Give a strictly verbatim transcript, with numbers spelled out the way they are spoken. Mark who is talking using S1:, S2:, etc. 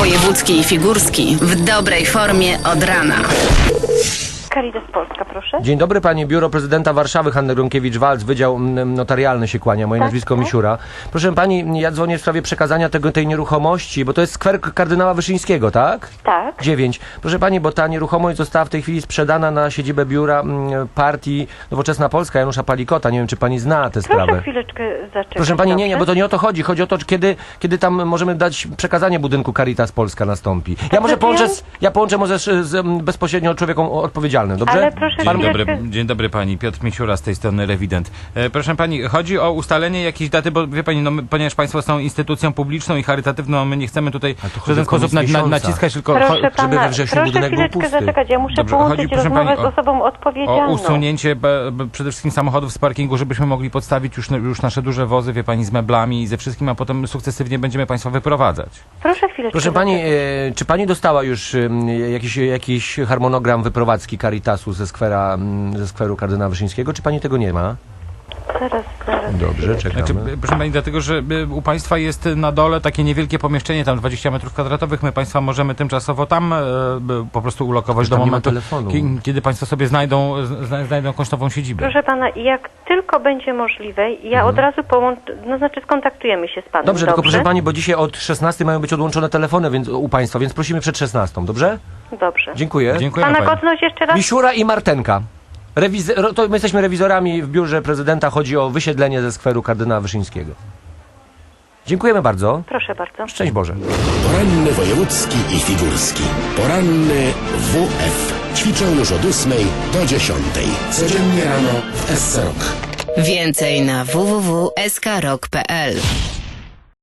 S1: Wojewódzki i Figurski w dobrej formie od rana.
S2: Caritas Polska, proszę.
S3: Dzień dobry, pani. Biuro Prezydenta Warszawy, Hanna Gronkiewicz-Waltz, Wydział mm, Notarialny się kłania. Moje
S2: Tak,
S3: nazwisko
S2: tak.
S3: Misiura. Proszę pani, ja dzwonię w sprawie przekazania tego, tej nieruchomości, bo to jest skwer kardynała Wyszyńskiego, tak?
S2: Tak.
S3: dziewięć. Proszę pani, bo ta nieruchomość została w tej chwili sprzedana na siedzibę biura mm, partii Nowoczesna Polska Janusza Palikota. Nie wiem, czy pani zna tę sprawę.
S2: Proszę chwileczkę zaczekać.
S3: Proszę pani, nie, nie, bo
S2: dobrze?
S3: to nie o to chodzi. Chodzi o to, kiedy, kiedy tam możemy dać przekazanie budynku Caritas Polska nastąpi. Ja może
S2: znaczy
S3: połączę,
S2: ja-
S3: z, ja połączę może z, z m, bezpośrednio człowiekiem odpowiedzialnym, dobrze?
S2: Ale proszę
S3: Pan-
S4: Dzień dobry,
S2: chwileczkę.
S4: dzień dobry pani, Piotr Misiura z tej strony Rewident. E, proszę pani, chodzi o ustalenie jakiejś daty, bo wie pani, no, my, ponieważ państwo są instytucją publiczną i charytatywną, my nie chcemy tutaj
S3: Ale to
S4: w
S3: chodzi
S4: żaden
S3: o
S4: sposób na,
S3: koniec
S4: na,
S3: miesiąca.
S4: naciskać, tylko
S2: Proszę
S4: cho-
S3: żeby
S2: pana,
S3: we wrześniu
S2: proszę
S3: budynek był
S2: chwileczkę
S3: pusty.
S2: zaczekać. Ja muszę
S4: Dobrze,
S2: połączyć
S4: chodzi, proszę
S2: rozmowę
S4: pani, o-
S2: z osobą
S4: o
S2: odpowiedzialną.
S4: usunięcie be, be, przede wszystkim samochodów z parkingu, żebyśmy mogli podstawić już, już nasze duże wozy, wie pani, z meblami i ze wszystkim, a potem sukcesywnie będziemy państwa wyprowadzać.
S2: Proszę chwileczkę
S3: Proszę pani,
S2: zaczekać.
S3: e, czy pani dostała już e, jakiś, jakiś harmonogram wyprowadzki Caritasu ze, skwera, m, ze skweru kardynała Wyszyńskiego, czy pani tego nie ma?
S2: Zaraz, zaraz.
S3: Dobrze, czekamy.
S4: Znaczy, b- proszę pani, dlatego, że y, u państwa jest na dole takie niewielkie pomieszczenie, tam dwadzieścia metrów kwadratowych, my państwa możemy tymczasowo tam e, b- po prostu ulokować
S3: Tam
S4: do
S3: nie ma
S4: momentu,
S3: telefonu.
S4: ki- kiedy państwo sobie znajdą, zna, znajdą kosztową siedzibę.
S2: Proszę pana, jak tylko będzie możliwe, ja od razu połączę, no znaczy skontaktujemy się z panem.
S3: Dobrze, tylko proszę pani, bo dzisiaj od szesnastej mają być odłączone telefony więc, u państwa, więc prosimy przed szesnastą, dobrze?
S2: Dobrze.
S3: Dziękuję.
S4: Dziękujemy
S2: Pana
S4: pani.
S2: godność jeszcze raz?
S3: Misiura i Martenka. Rewiz- ro- to my jesteśmy rewizorami w biurze prezydenta, chodzi o wysiedlenie ze skweru kardynała Wyszyńskiego. Dziękujemy bardzo.
S2: Proszę bardzo.
S3: Szczęść Boże.
S5: Poranny wojewódzki i figurski. Poranny W F. Ćwiczą już od ósmej do dziesiątej. Codziennie rano w S C Rock.
S1: Więcej na w w w kropka s k rock kropka p l.